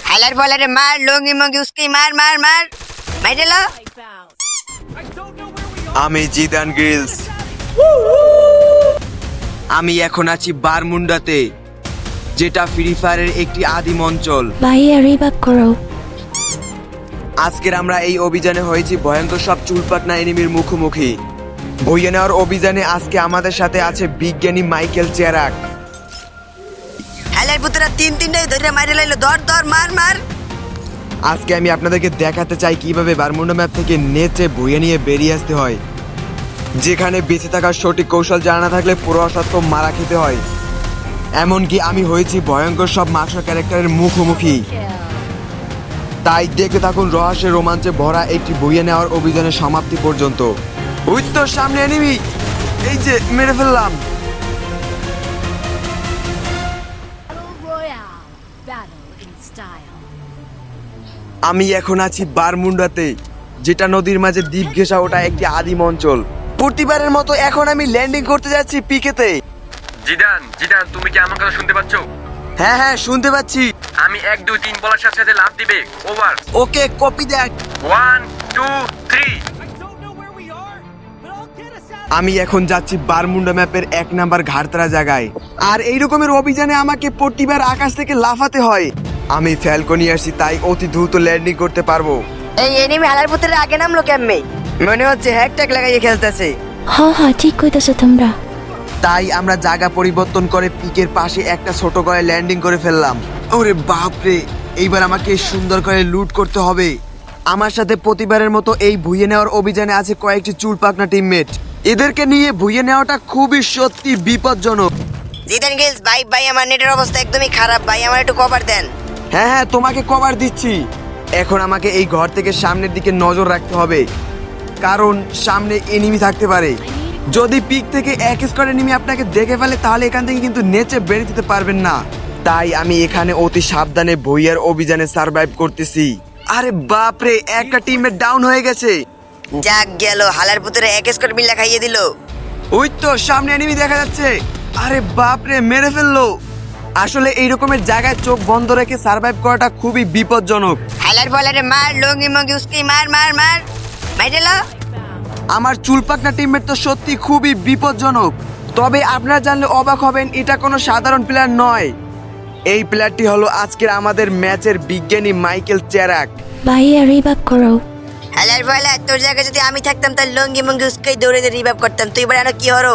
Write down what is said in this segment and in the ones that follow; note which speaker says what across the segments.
Speaker 1: হালার বলারে মার, লঙ্গি মঙ্গি উস্কি মার মার মার মাইরে লো।
Speaker 2: আমি জিদান গ্রিলস। আমি এখন আছি বারমুন্ডাতে, যেটা ফ্রি ফায়ারের একটি আদিম অঞ্চল।
Speaker 3: ভাইয়া রিভাইভ করো।
Speaker 2: আজকের আমরা এই অভিযানে হয়েছি ভয়ঙ্কর সব চুলপাকনা এনিমির মুখোমুখি। বইয়ে নেওয়ার অভিযানে আজকে আমাদের সাথে আছে বিজ্ঞানী মাইকেল চেরাক।
Speaker 1: হালার পুতরা তিনটাই ধরে মাইরে লাইলো, ধর ধর মার মার।
Speaker 2: আজকে আমি আপনাদেরকে দেখাতে চাই কিভাবে বারমুন্ডা ম্যাপ থেকে নেচে বইয়ে নিয়ে বেরিয়ে আসতে হয়, যেখানে বেঁচে থাকার সঠিক কৌশল জানা না থাকলে পুরো অসত্য মারা খেতে হয়। এমনকি আমি হয়েছি ভয়ঙ্কর সব মাস্টার ক্যারেক্টারের মুখোমুখি। তাই দেখতে থাকুন রহস্যের রোমাঞ্চে ভরা একটি বইয়ে নেওয়ার অভিযানের সমাপ্তি পর্যন্ত। ওই তো সামনে এনিমি, এই যে মেরে ফেললাম। আমি এখন আছি বারমুন্ডাতে, যেটা নদীর মাঝে দ্বীপ ঘেঁষা ওটা একটি আদিম অঞ্চল। প্রতিবারের মতো এখন আমি ল্যান্ডিং করতে যাচ্ছি পিকেতে।
Speaker 4: জিদান জিদান, তুমি কি আমার কথা শুনতে পাচ্ছ?
Speaker 2: হ্যাঁ হ্যাঁ শুনতে পাচ্ছি।
Speaker 4: আমি 1 2 3 বলার সাথে সাথে লাফ দিবে। ওভার।
Speaker 2: Okay copy that.
Speaker 4: 1 2 3।
Speaker 2: আমি এখন যাচ্ছি বারমুন্ডা ম্যাপের 1 নাম্বার ঘাটতারা জায়গায়। আর এই রকমের অভিযানে আমাকে প্রতিবার আকাশ থেকে লাফাতে হয়। আমি ফ্যালকনি আসছি, তাই অতি দ্রুত ল্যান্ডিং করতে পারবো।
Speaker 1: এই এনিমি হালার পুতরা আগে নামলো কেমনে? মনে হচ্ছে হ্যাকট্যাগ লাগাইয়ে খেলতেছে।
Speaker 3: হ্যাঁ ঠিক কইতাছো তোমরা।
Speaker 2: তাই আমরা জায়গা পরিবর্তন করে পিকের পাশে একটা ছোট করে ল্যান্ডিং করে ফেললাম। ওরে বাপরে, এইবার আমাকে সুন্দর করে লুট করতে হবে। আমার সাথে প্রতিবারের মতো এই ভুইয়ে নেওয়ার অভিযানে আছে কয়েকটি চুলপাকনা টিমমেট। এদেরকে নিয়ে ভুইয়ে নেওয়াটা খুবই সত্যি বিপজ্জনক।
Speaker 1: জিদান গিলস ভাই ভাই, আমার নেটের অবস্থা একদমই খারাপ ভাই, আমার একটু কভার দেন।
Speaker 2: হ্যাঁ হ্যাঁ তোমাকে কভার দিচ্ছি। এখন আমাকে এই ঘর থেকে সামনের দিকে নজর রাখতে হবে, কারণ সামনে এনিমি থাকতে পারে। যদি পিক থেকে এক স্কোয়াড এনিমি আপনাকে দেখে ফেলে তাহলে এখান থেকে কিন্তু নেচে বেরিয়ে যেতে পারবেন না। তাই আমি এখানে অতি সাবধানে ভুইয়ার অভিযানে সার্ভাইভ করতেছি। আরে বাপরে, একটা টিমমেট ডাউন হয়ে গেছে।
Speaker 1: যাক গেল, হালার পুতরা এক স্কোর মিল্লা খাইয়ে দিল।
Speaker 2: ওই তো সামনে এনিমি দেখা যাচ্ছে। আরে বাপরে, মেরে ফেললো। আসলে এই রকমের জায়গায় চোখ বন্ধ রেখে সার্ভাইভ করাটা খুবই বিপজ্জনক।
Speaker 1: হালার বলারে মার, লঙ্গি মঙ্গি উস্কি মার মার মার মাইরে লো।
Speaker 2: আমার চুলপাকনা টিমমেট তো সত্যি খুবই বিপজ্জনক। তবে আপনারা জানলে অবাক হবেন, এটা কোনো সাধারণ প্লেয়ার নয়। এই প্লেয়ারটি হলো আজকের আমাদের ম্যাচের বিজ্ঞানী মাইকেল চেরাক।
Speaker 3: ভাইয়া রিভাইভ করো।
Speaker 1: হালার বলা, তোর জায়গায় যদি আমি থাকতাম তাহলে লঙ্গি মঙ্গি উস্কাই দৌড়ে রিভাইভ করতাম। তুই এবার কি হরো?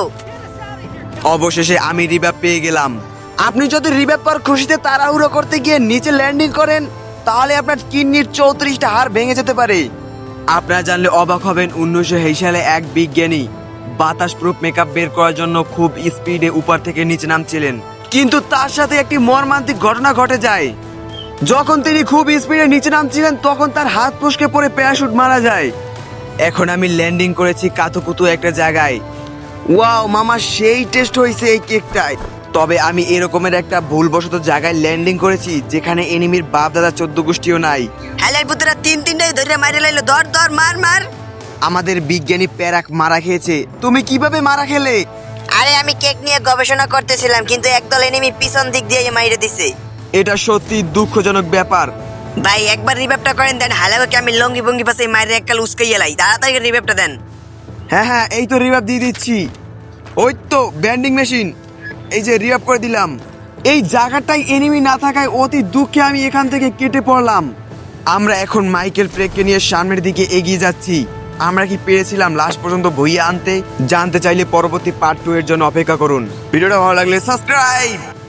Speaker 2: অবশেষে আমি রিভাইভ পেয়ে গেলাম। আপনি যদি রিভাইভ পাওয়ার খুশিতে তাড়াহুড়ো করতে গিয়ে নিচে ল্যান্ডিং করেন তাহলে আপনার কিডনির 34টা হাড় ভেঙে যেতে পারে। আপনারা জানলে অবাক হবেন, 1920 সালে এক বিজ্ঞানী বাতাস প্রুফ মেকআপ বের করার জন্য খুব স্পিডে উপর থেকে নিচে নামছিলেন, কিন্তু তার সাথে একটি মর্মান্তিক ঘটনা ঘটে যায়। যখন তিনি খুব স্পিডে নিচে নামছিলেন তখন তার হাত ফসকে পড়ে প্যারাশুট মারা যায়। এখন আমি ল্যান্ডিং করেছি কাতুকুতু একটা জায়গায়। ওয়াও মামা, সেই টেস্ট হয়েছে এই কেকটায়। তবে আমি এরকমের একটা ভুলবশত জায়গায় ল্যান্ডিং করেছি যেখানে এনিমির বাপ দাদা 14 গোষ্ঠীও নাই।
Speaker 1: হালার পুতরা তিনটাই ধরে মাইরে লাইলো, ধর ধর মার মার।
Speaker 2: আমাদের বিজ্ঞানী প্যারাক মারা খেয়েছে। তুমি কিভাবে মারা খেলে?
Speaker 1: আরে আমি কেক নিয়ে গবেষণা করতেছিলাম, কিন্তু একদল এনিমি পিছন দিক দিয়ে মাইরে দিছে।
Speaker 2: এটা সত্যি দুঃখজনক ব্যাপার।
Speaker 1: ভাই একবার রিভাইভটা করেন, দেন হালাকে আমি লঙ্গি বঙ্গি পাশে মাইরে এককাল উস্কাইয়ে লাই। তাড়াতাড়ি রিভাইভটা দেন।
Speaker 2: হ্যাঁ হ্যাঁ এই তো রিভাইভ দিয়ে দিচ্ছি। ওই তো ব্যান্ডিং মেশিন, এই যে রিভাইভ করে দিলাম। এই জায়গাটায় এনিমি না থাকায় অতি দুঃখে আমি এখান থেকে কেটে পড়লাম। আমরা এখন মাইকেল প্রেককে নিয়ে সামনের দিকে এগিয়ে যাচ্ছি। আমরা কি পেরেছিলাম লাস্ট পর্যন্ত বইয়ে আনতে? জানতে চাইলে পরবর্তী পার্ট 2 এর জন্য অপেক্ষা করুন। ভিডিওটা ভালো লাগলে সাবস্ক্রাইব।